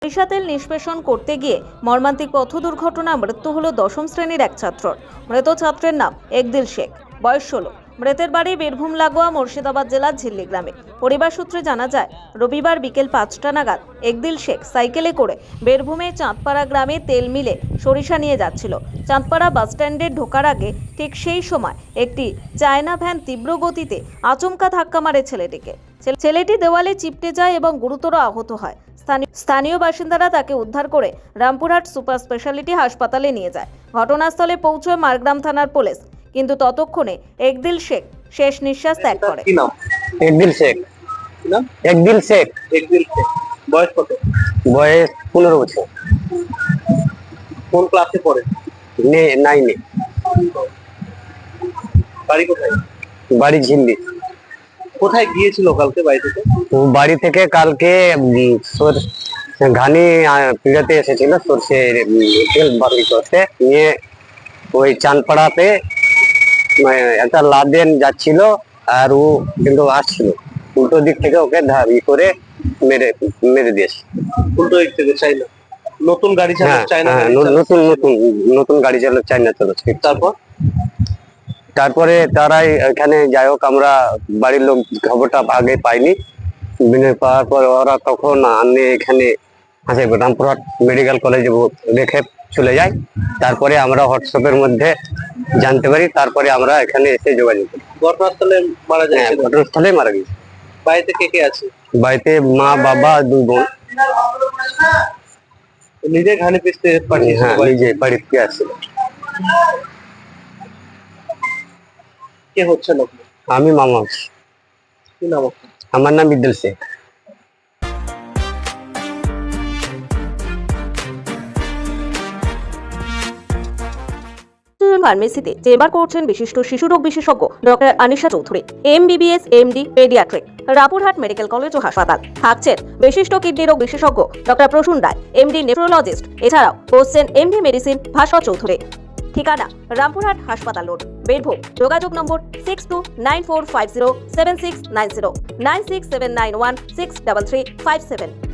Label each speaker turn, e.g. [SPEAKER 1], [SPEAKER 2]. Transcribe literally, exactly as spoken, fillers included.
[SPEAKER 1] সরিষা তেল নিষ্পেষণ করতে গিয়ে মর্মান্তিক পথ দুর্ঘটনা, মৃত্যু হলো দশম শ্রেণীর এক ছাত্রর। মৃত ছাত্রের নাম একদিল শেখ, বয়স ষোলো। মৃতের বাড়ি বীরভূম লাগোয়া মুর্শিদাবাদ জেলার ঝিল্লি গ্রামে। পরিবার সূত্রে জানা যায়, রবিবার বিকেল পাঁচটা নাগাদ একদিল শেখ সাইকেলে করে বীরভূমে চাঁদপাড়া গ্রামে তেল মিলে সরিষা নিয়ে যাচ্ছিল। চাঁদপাড়া বাসস্ট্যান্ডে ঢোকার আগে ঠিক সেই সময় একটি চায়না ভ্যান তীব্র গতিতে আচমকা ধাক্কা মারে ছেলেটিকে। ছেলেটি দেওয়ালে চিপটে যায় এবং গুরুতর আহত হয়। স্থানীয় বাসিন্দারা তাকে উদ্ধার করে রামপুরহাট সুপার স্পেশালিটি হাসপাতালে নিয়ে যায়। ঘটনাস্থলে পৌঁছয় মারগ্রাম থানার পুলিশ, কিন্তু ততক্ষণে একদিল শেখ শেষ নিঃশ্বাস ত্যাগ করে।
[SPEAKER 2] কি নাম?
[SPEAKER 3] একদিল শেখ।
[SPEAKER 2] কি নাম?
[SPEAKER 3] একদিল শেখ।
[SPEAKER 2] একদিল শেখ। বয়স কত?
[SPEAKER 3] বয়স পনেরো বছর।
[SPEAKER 2] কোন ক্লাসে পড়ে?
[SPEAKER 3] নাইনে।
[SPEAKER 2] বাড়ি কোথায়?
[SPEAKER 3] বাড়ি ঝিল্লি।
[SPEAKER 2] কোথায় গিয়েছিল কালকে বাড়ি থেকে?
[SPEAKER 3] ও বাড়ি থেকে কালকে ঘানি পিড়াতে এসেছিল সর্ষে তেল বাকি করতে, নিয়ে ওই চাঁদপাড়াতে একটা লাদেন যাচ্ছিল, আর ও কিন্তু আসছিল উল্টো দিক থেকে, ওকে ই করে মেরে মেরে দিয়েছে।
[SPEAKER 2] উল্টো দিক থেকে চাইনা নতুন গাড়ি চালক চাইনা
[SPEAKER 3] নতুন নতুন নতুন গাড়ি চালক চাইনা চালাচ্ছে।
[SPEAKER 2] তারপর
[SPEAKER 3] তারপরে তারাই এখানে, যাই হোক, আমরা বাড়ির লোক খবরটা আগে পাইনি। পাওয়ার পর ওরা তখন আনে এখানে হাসে রামপুরহাট মেডিকেল কলেজে রেখে চলে যায়। তারপরে আমরা হোয়াটসঅ্যাপের মধ্যে জানতে পারি, তারপরে আমরা এখানে এসে যোগাযোগ করি।
[SPEAKER 2] ঘটনাস্থলে মারা যায়?
[SPEAKER 3] ঘটনাস্থলে মারা গেছে।
[SPEAKER 2] বাড়িতে কে কে আছে?
[SPEAKER 3] বাড়িতে মা, বাবা, দুই বোন।
[SPEAKER 2] নিজে ঘানি পিসতে পাঠিয়েছে?
[SPEAKER 3] হ্যাঁ, নিজে বাড়িতে আসছিল।
[SPEAKER 2] কে হচ্ছে না?
[SPEAKER 3] আমি মামা।
[SPEAKER 2] কি নাম?
[SPEAKER 3] আমার নাম একদিল শেখ।
[SPEAKER 1] ফার্মেসিতে চেম্বার করছেন বিশিষ্ট শিশুরোগ বিশেষজ্ঞ doctor Anisha Chowdhury, MBBS, MD, paediatric, Rampurhat medical college ও হাসপাতাল। থাকছেন বিশিষ্ট কিডনি রোগ বিশেষজ্ঞ doctor Prasun Roy, MD, nephrologist. এছাড়াও বসছেন এমডি মেডিসিন ভাস্কর চৌধুরী। ঠিকানা রামপুরহাট হাসপাতাল রোড, বীরভূম। যোগাযোগ নম্বর six two nine four five zero seven six nine zero, nine six seven nine one six three three five seven.